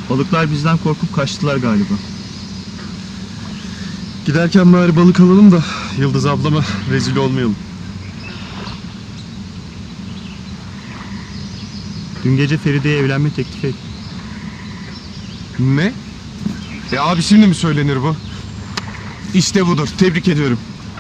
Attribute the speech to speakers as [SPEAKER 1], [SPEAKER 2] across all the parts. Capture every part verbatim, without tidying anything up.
[SPEAKER 1] Balıklar bizden korkup kaçtılar galiba.
[SPEAKER 2] Giderken bari balık alalım da Yıldız ablama rezil olmayalım.
[SPEAKER 1] Dün gece Feride'ye evlenme teklif etti.
[SPEAKER 2] Ne? E abi şimdi mi söylenir bu? İşte budur. Tebrik ediyorum.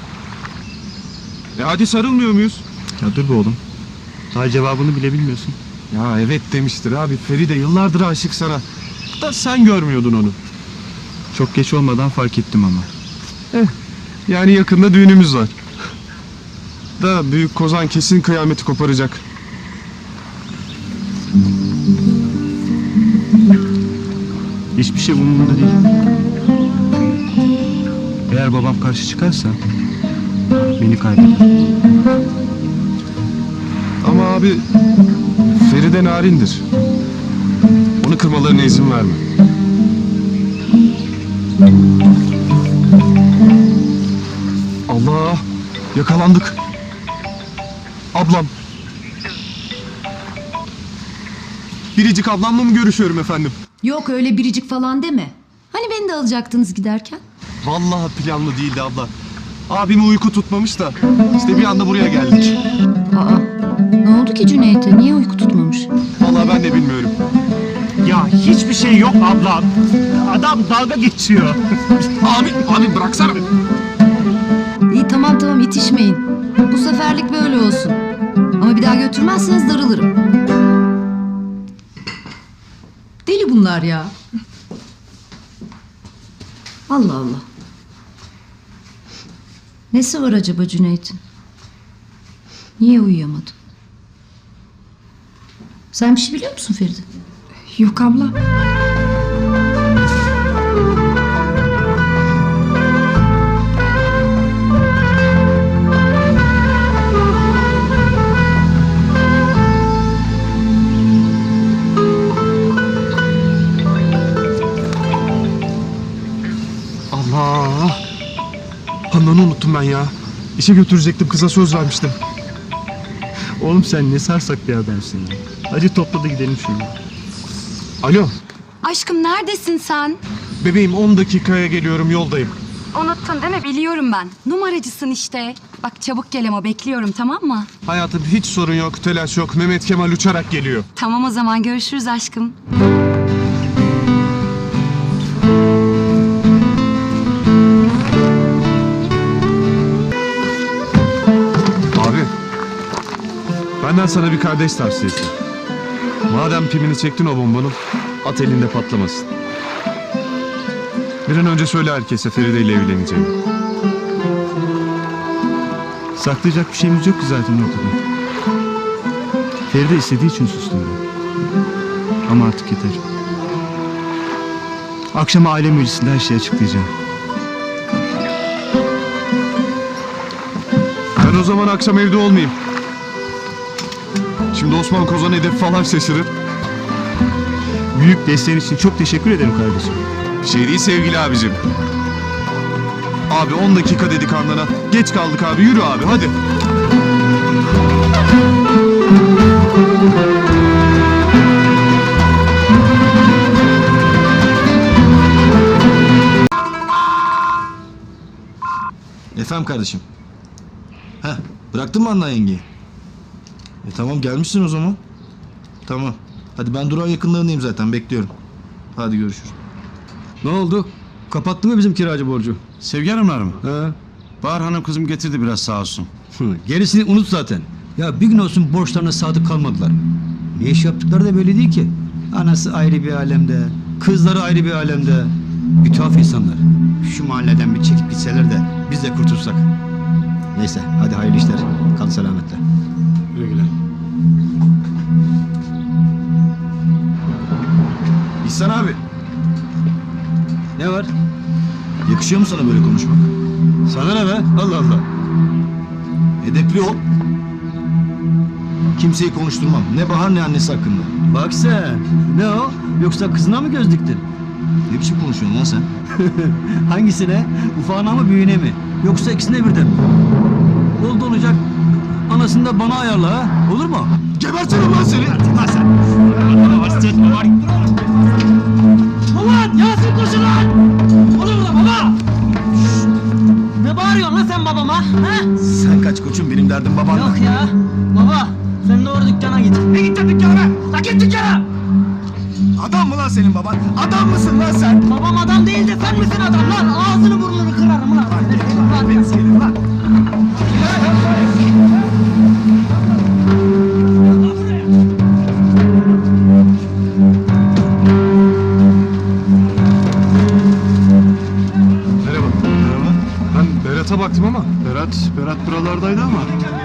[SPEAKER 2] E hadi sarılmıyor muyuz?
[SPEAKER 1] Ya dur be oğlum. Daha cevabını bile bilmiyorsun.
[SPEAKER 2] Ya evet demiştir abi. Feride yıllardır aşık sana. Da sen görmüyordun onu.
[SPEAKER 1] Çok geç olmadan fark ettim ama.
[SPEAKER 2] Eh, yani yakında düğünümüz var. Da büyük kozan kesin kıyameti koparacak.
[SPEAKER 1] Hiçbir şey umurumda değil. Eğer babam karşı çıkarsa beni kaybeder.
[SPEAKER 2] Ama abi Feride narindir. Onu kırmalarına izin verme. Allah! Yakalandık. Ablam. Biricik ablamla mı görüşüyorum efendim?
[SPEAKER 3] Yok öyle biricik falan deme. Hani beni de alacaktınız giderken?
[SPEAKER 2] Vallahi planlı değildi abla. Abimi uyku tutmamış da işte bir anda buraya geldik.
[SPEAKER 3] Aa, ne oldu ki Cüneyt'e? Niye uyku tutmamış?
[SPEAKER 2] Vallahi ben de bilmiyorum.
[SPEAKER 1] Ya hiçbir şey yok ablam. Adam dalga geçiyor.
[SPEAKER 2] Abi, abi bıraksana.
[SPEAKER 3] İyi tamam tamam itişmeyin. Bu seferlik böyle olsun. Ama bir daha götürmezseniz darılırım. Deli bunlar ya. Allah Allah. Nesi var acaba Cüneyt'in? Niye uyuyamadı? Sen bir şey biliyor musun Feride?
[SPEAKER 4] Yok abla.
[SPEAKER 2] Allah! Handan'ı unuttum ben ya. İşe götürecektim, kıza söz vermiştim.
[SPEAKER 1] Oğlum sen ne sarsak bir adamsın ya. Hadi topla da gidelim şimdi.
[SPEAKER 2] Alo,
[SPEAKER 4] Aşkım neredesin sen?
[SPEAKER 2] bebeğim on dakikaya geliyorum, yoldayım.
[SPEAKER 4] Unuttun değil mi? Biliyorum ben. Numaracısın işte. Bak çabuk gel ama bekliyorum, tamam mı?
[SPEAKER 2] Hayatım hiç sorun yok, telaş yok. Mehmet Kemal uçarak geliyor.
[SPEAKER 4] Tamam o zaman görüşürüz aşkım.
[SPEAKER 2] Abi, benden sana bir kardeş tavsiyesi. Madem pimini çektin o bombanın, at elinde patlamasın. Bir an önce söyle herkese Feride ile evleneceğimi.
[SPEAKER 1] Saklayacak bir şeyimiz yok ki zaten ortada. Feride istediği için sustum ben. Ama artık yeter. Akşama aile meclisinde her şeyi açıklayacağım.
[SPEAKER 2] Ben o zaman akşam evde olmayayım. Şimdi Osman Kozan hedef falan şaşırır.
[SPEAKER 1] Büyük desteğin için çok teşekkür ederim kardeşim.
[SPEAKER 2] Bir şey değil sevgili abicim. Abi on dakika dedik Handan'a. Geç kaldık abi, yürü abi hadi.
[SPEAKER 5] Efendim kardeşim. Heh, bıraktın mı Handan yengeyi? E tamam gelmişsin o zaman. Tamam. Hadi ben durağın yakınlarındayım zaten, bekliyorum. Hadi görüşürüz.
[SPEAKER 6] Ne oldu? Kapattı mı bizim kiracı borcu?
[SPEAKER 7] Sevgi Hanımlar mı?
[SPEAKER 6] He.
[SPEAKER 7] Bahar Hanım kızım getirdi biraz sağ olsun.
[SPEAKER 6] Gerisini unut zaten. Ya bir gün olsun borçlarına sadık kalmadılar. Ne iş yaptıkları da belli değil ki. Anası ayrı bir alemde, kızları ayrı bir alemde. Bir tuhaf insanlar. Şu mahalleden bir çekip gitseler de biz de kurtulsak. Neyse hadi hayırlı işler. Kal selametle.
[SPEAKER 7] Güle güle.
[SPEAKER 5] İhsan abi,
[SPEAKER 6] Ne var?
[SPEAKER 5] yakışıyor mu sana böyle konuşmak?
[SPEAKER 6] Sana ne be? Allah Allah.
[SPEAKER 5] Edepli ol. Kimseyi konuşturmam. Ne Bahar ne annesi hakkında.
[SPEAKER 6] Bak sen. Ne o? Yoksa kızına mı göz diktin?
[SPEAKER 5] Ne biçim konuşuyorsun lan sen?
[SPEAKER 6] Hangisine? Ufağına mı büyüğüne mi? Yoksa ikisine birden mi? Oldu olacak. Anasını da bana ayarla ha. Olur mu?
[SPEAKER 5] Gebertirim lan seni!
[SPEAKER 6] Lan sen.
[SPEAKER 5] derdin babanla.
[SPEAKER 8] Yok ya. Baba sen doğru dükkana git. Ne gideceksin dükkana be? La git dükkana.
[SPEAKER 5] Adam mı lan senin baban? Adam mısın lan sen?
[SPEAKER 8] Babam adam değil de sen misin adam lan? Ağzını burnunu kırarım lan.
[SPEAKER 5] Ben senin lan.
[SPEAKER 2] Merhaba. Merhaba. Ben Berat'a baktım ama. Berat, Berat buralardaydı ama.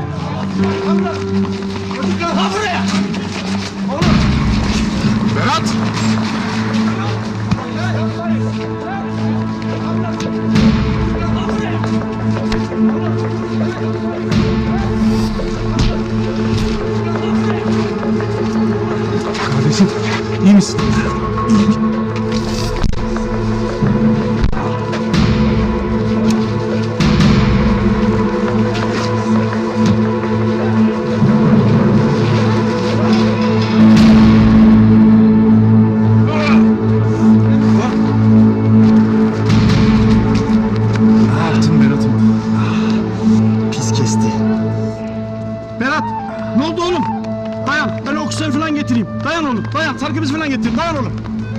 [SPEAKER 8] Ha buraya.
[SPEAKER 2] Berat! Kardeşim, iyi misin? Ne yaptın Berat'ım?
[SPEAKER 5] Pis kesti.
[SPEAKER 7] Berat ne oldu oğlum? Dayan ben oksijen falan getireyim. Dayan oğlum dayan sargımız falan getireyim. Dayan oğlum.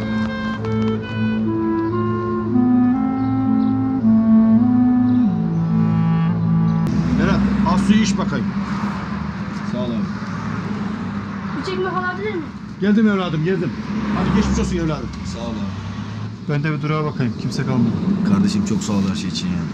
[SPEAKER 7] Berat al suyu iç bakayım.
[SPEAKER 5] Sağ ol abi.
[SPEAKER 9] Bir çekme alabilir miyim?
[SPEAKER 7] Geldim evladım geldim. Hadi geçmiş olsun evladım.
[SPEAKER 5] Sağ ol abi.
[SPEAKER 2] Ben de bir durağa bakayım. Kimse kalmadı.
[SPEAKER 5] Kardeşim çok sağ ol her şey için ya.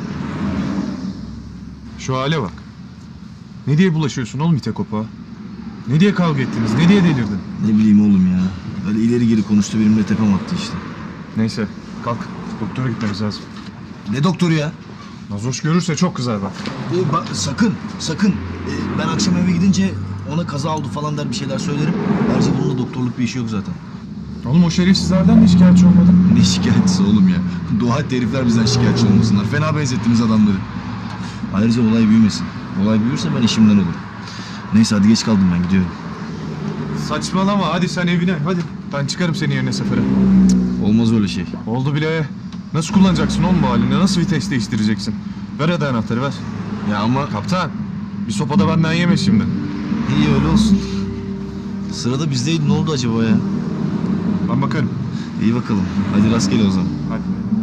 [SPEAKER 2] Şu hale bak. Ne diye bulaşıyorsun oğlum ite kopağa? Ne diye kavga ettiniz? Ne diye delirdin?
[SPEAKER 5] Ne bileyim oğlum ya. Öyle ileri geri konuştu benimle tepem attı işte.
[SPEAKER 2] Neyse kalk. Doktora gitmemiz lazım.
[SPEAKER 5] Ne doktoru ya?
[SPEAKER 2] Nazoş görürse çok kızar bak.
[SPEAKER 5] Ee, bak, sakın, sakın. Ee, ben akşam eve gidince ona kaza oldu falan der bir şeyler söylerim. Ayrıca bununla doktorluk bir işi yok zaten.
[SPEAKER 2] Oğlum o şerefsizlerden de şikayetçi olmadın.
[SPEAKER 5] Ne şikayetçisi oğlum ya? Dua et de herifler bizden şikayetçi olmasınlar. Fena benzettiniz adamları. Ayrıca olay büyümesin. Olay büyürse ben işimden olurum. Neyse hadi geç kaldım ben gidiyorum.
[SPEAKER 2] Saçmalama hadi sen evine hadi. Ben çıkarım senin yerine sefere.
[SPEAKER 5] Olmaz öyle şey.
[SPEAKER 2] Oldu bile. Nasıl kullanacaksın oğlum bu halini? Nasıl vites değiştireceksin? Ver hadi anahtarı ver.
[SPEAKER 5] Ya ama
[SPEAKER 2] Kaptan bir sopada benden yeme şimdi.
[SPEAKER 5] iyi öyle olsun. Sırada bizdeydi ne oldu acaba ya?
[SPEAKER 2] Ben bakarım.
[SPEAKER 5] İyi bakalım. Hadi rastgele o zaman.
[SPEAKER 2] Hadi.